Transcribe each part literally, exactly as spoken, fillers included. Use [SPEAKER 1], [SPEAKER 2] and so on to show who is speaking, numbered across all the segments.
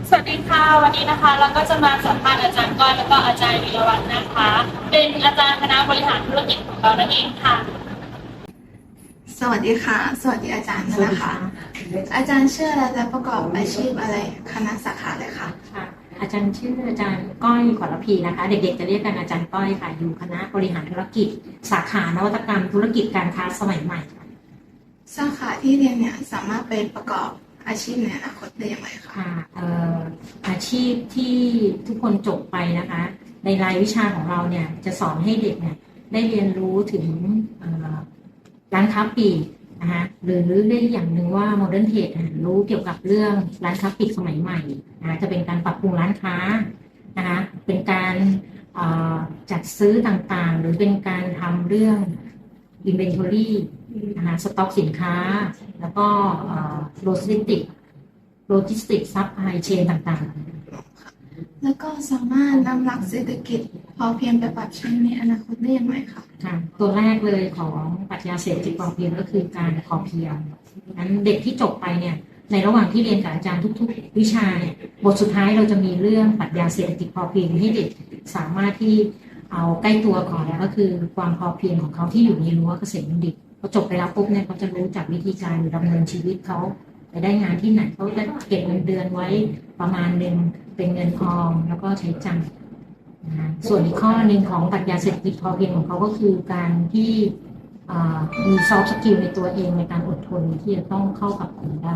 [SPEAKER 1] สวัสดีค่ะวันนี้นะคะเราก็จะมาสัมภาษณ์อาจารย์ก้อยแล้วก็อาจารย์วีรวัฒน์นะคะเป็นอาจารย์คณะบริหารธุรกิจของเรานั่นเองค่ะ
[SPEAKER 2] สวัสดีค่ะ สวัสดีอาจารย์นะคะ อาจารย์ชื่ออะไรและประกอบอาชีพอะไรคณะสาขาเลยค่ะ
[SPEAKER 3] ค่ะอาจารย์ชื่ออาจารย์ก้อยขอรพีนะคะเด็กๆจะเรียกกันอาจารย์ก้อยค่ะอยู่คณะบริหารธุรกิจสาขานวัตกรรมธุรกิจการค้าสมัยใหม่ค่ะ
[SPEAKER 2] สาขาที่เรียนเนี่ยสามารถไปประกอบอาชีพในอนาคตได้อย่างไรคะ
[SPEAKER 3] ค่ะเอ่ออาชีพที่ทุกคนจบไปนะคะในรายวิชาของเราเนี่ยจะสอนให้เด็กเนี่ยได้เรียนรู้ถึงเอ่อร้านค้าปลีกนะคะหรือเรียกอย่างหนึ่งว่า modern trade รู้เกี่ยวกับเรื่องร้านค้าปลีกสมัยใหม่นะจะเป็นการปรับปรุงร้านค้านะคะเป็นการจัดซื้อต่างๆหรือเป็นการทำเรื่อง inventory นะคะสต็อกสินค้าแล้วก็โลจิสติกโลจิสติกซัพพลายเชนต่างๆ
[SPEAKER 2] แล้วก็สามารถนำหลักเศรษฐกิจพอเพียงไปปรับใช้ในอนาคตได้อย่างไรคะ
[SPEAKER 3] ค่ะตัวแรกเลยของปรัชญาเศรษฐกิจพอเพียงก็คือการพอเพียงนั้นเด็กที่จบไปเนี่ยในระหว่างที่เรียนกับอาจารย์ทุกๆวิชาเนี่ยบทสุดท้ายเราจะมีเรื่องปรัชญาเศรษฐกิจพอเพียงให้เด็กสามารถที่เอาใกล้ตัวก่อนก็คือความพอเพียงของเขาที่อยู่ในรั้วเกษตรบัณฑิตพอจบไปแล้วปุ๊บเนี่ยเขาจะรู้จักวิธีการดำเนินชีวิตเขาไปได้งานที่ไหนเขาจะเก็บเงินเดือนไว้ประมาณหนึ่งเป็นเงินออมแล้วก็ใช้จ่ายนะส่วนอีกข้อหนึ่งของปรัชญาเศรษฐกิจพอเพียงของเขาก็คือการที่มีซอฟต์สกิลในตัวเองในการอดทนที่จะต้องเข้ากับคนได้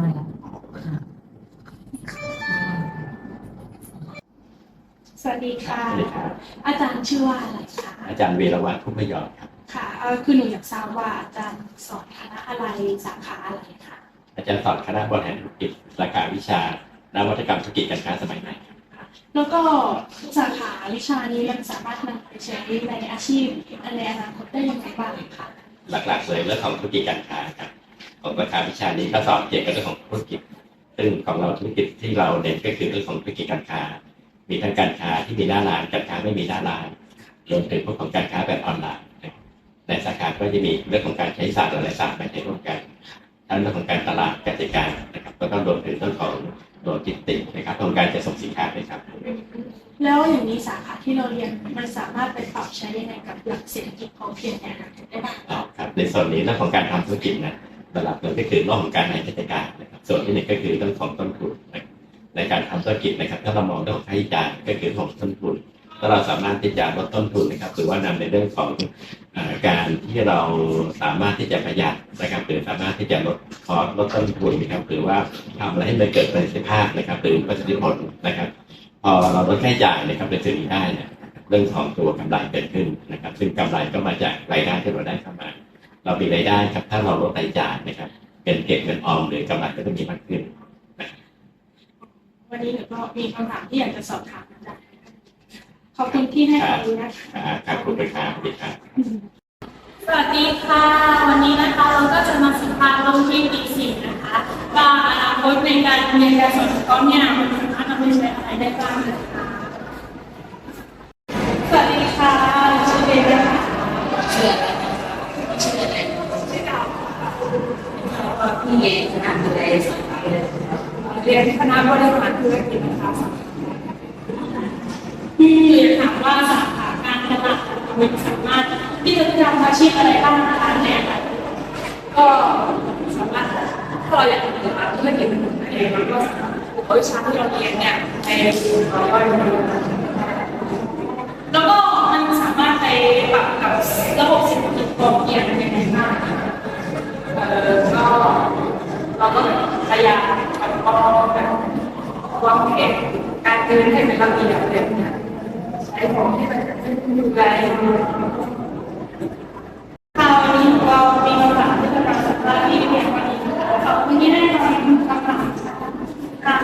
[SPEAKER 1] สวัสดีค่ะอาจารย์ชื่อว่าอะไรคะ
[SPEAKER 4] อาจารย์เวรวัฒน์พุทธยอดครับ
[SPEAKER 1] ค่ะคือหนูอยากทราบว่าอาจารย์สอนคณะอะไรสาขาอะไรคะ
[SPEAKER 4] อาจารย์สอนคณะบริหารธุรกิจสาขาวิชานวัตกรรมธุรกิจการค้าสมัยใหม่
[SPEAKER 1] แล้วก็สาขาวิชานี้มันสามารถนำไปใช้ในอาชีพในอนาคตได้ยังไงบ้างคะ
[SPEAKER 4] หลักๆเลยเรื่องของธุรกิจการค้าครับของสาขาวิชานี้ก็สอนเกี่ยวกับเรื่องของธุรกิจซึ่งของเราธุรกิจที่เราเน้นก็คือเรื่องของธุรกิจการค้ามีทั้งการค้าที่มีหน้าร้านการค้าไม่มีหน้าร้านรวมถึงพวกของการค้าแบบออนไลน์ในสาขาก็จะมีเรื่องของการใช้ศาสตร์หลายศาสตร์มาใช้ร่วมกันทั้งเรื่องของการตลาดการจัดการนะครับแล้วก็รวมถึงเรื่องของโลจิสติกส์นะครับของการจัดส่งสินค้านะครับ
[SPEAKER 1] แล้วอย่างนี้สาขาที่เราเรียนมันสามารถไปปรับใช้ยังไงกับหลักเศรษฐกิจพอเพียงในอนาคตได้บ้าง
[SPEAKER 4] ครับในส่วนนี้เรื่องของการทำธุรกิจนะหลักๆเลยก็คือเรื่องของการบริหารจัดการนะครับส่วนที่หนึ่งก็คือเรื่องของต้นทุนในการทำธุรกิจนะครับถ้าเรามองเรื่องของค่าใช้จ่ายก็คือของต้นทุนถ้าเราสามารถที่จะลดต้นทุนนะครับหรือว่านำในเรื่องของการที่เราสามารถที่จะประหยัดนะครับหรือสามารถที่จะลดคอสลดต้นทุนนะครับหรือว่าทำอะไรให้มันเกิดประสิทธิภาพนะครับหรือประสิทธิผลนะครับพอเราลดค่าใช้จ่ายนะครับในส่วนนี้ได้เนี่ยเรื่องของตัวกำไรเกิดขึ้นนะครับซึ่งกำไรก็มาจากรายได้ที่เราได้เข้ามาเรามีรายได้ครับถ้าเราลดรายจ่ายนะครับเงินเก็บเงินออมหรือกำไรก็จะมีมากขึ้น
[SPEAKER 1] วันนี้หนูก็มีคำถามที่อยากจะสอบถามอาจารย์ขอบคุณที่ให้ความรู้นะคะ
[SPEAKER 4] ขอบคุณครับสวัสดีครับ
[SPEAKER 1] สวัสดีค่ะวันนี้นะคะเราก็จะมาสัมภาษณ์น้องที่ปีสี่นะคะว่าอนาคตในการเรียนการสอนของเขาเนี่ยมันสามารถนำไปใช้อะไรได้บ้างนะคะสวัสดีค่ะชื่อเบลนะคะ
[SPEAKER 5] ชื่ออะไรชื่ออะไร
[SPEAKER 1] ชื่อดาว
[SPEAKER 5] พี่เอคณะอะไร
[SPEAKER 1] เรียนคณะบริหารธุรกิจนะคะที่ถามว่าสาขาการตลาดมันสามารถที่จะทำอาชีพอะไรบ้างนะคะเนี่ยก็สามารถถ้าเราอยากทำธุรกิจเป็นของตัวเองเราก็เอาวิชาที่เราเรียนเนี่ยไปต่อยอดแล้วก็มันสามารถไปปรับกับระบบเศรษฐกิจพอเพียงได้ยังไงบ้างเออก็เราก็พยายามแบบวางแผนการเดินให้เป็นระเบียบเลยนะใช้ของที่มันดูแลคราวนี้เรามีคำถามที่จะมาสัมภาษณ์ที่เรียนวันนี้ขอบคุณที่ได้ฟังคำถามค่ะ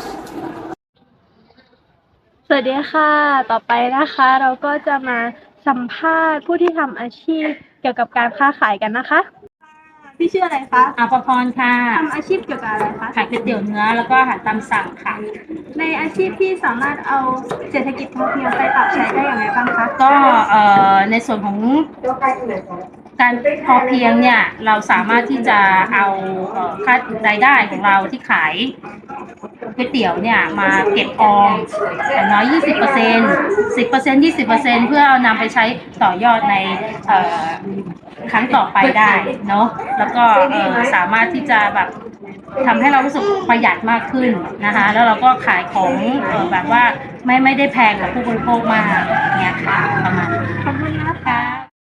[SPEAKER 6] สวัสดีค่ะต่อไปนะคะเราก็จะมาสัมภาษณ์ผู้ที่ทำอาชีพเกี่ยวกับการค้าขายกันนะคะพี่ชื่ออะไรคะ
[SPEAKER 3] อาภพรค่ะ
[SPEAKER 6] ทำอาชีพเกี่ยวกับอะไรคะ
[SPEAKER 3] ขายก๋วยเตี๋ยวเนื้อแล้วก็อาหารตามสั่งค่ะ
[SPEAKER 6] ในอาชีพที่สามารถเอาเศรษฐกิจพอเพียงไปปรับใช้ได้อย่างไรบ้างคะ
[SPEAKER 3] ก็เอ่อในส่วนของ
[SPEAKER 7] การพอเพียงเนี่ยเราสามารถที่จะเอาเอ่อค่ารายได้ของเราที่ขายก๋วยเตี๋ยวเนี่ยมาเก็บออมอย่างน้อย ยี่สิบเปอร์เซ็นต์ สิบเปอร์เซ็นต์ ยี่สิบเปอร์เซ็นต์ เพื่อเอานำไปใช้ต่อยอดในเอ่อครั้งต่อไปได้เนาะแล้วก็เอ่อสามารถที่จะแบบทำให้เรารู้สึกประหยัดมากขึ้นนะคะแล้วเราก็ขายของเอ่อแบบว่าไม่ไม่ได้แพงกว่าผู้บริโภคมากเนี่ยค่ะประมาณนี้
[SPEAKER 6] ขอบคุณนะคะ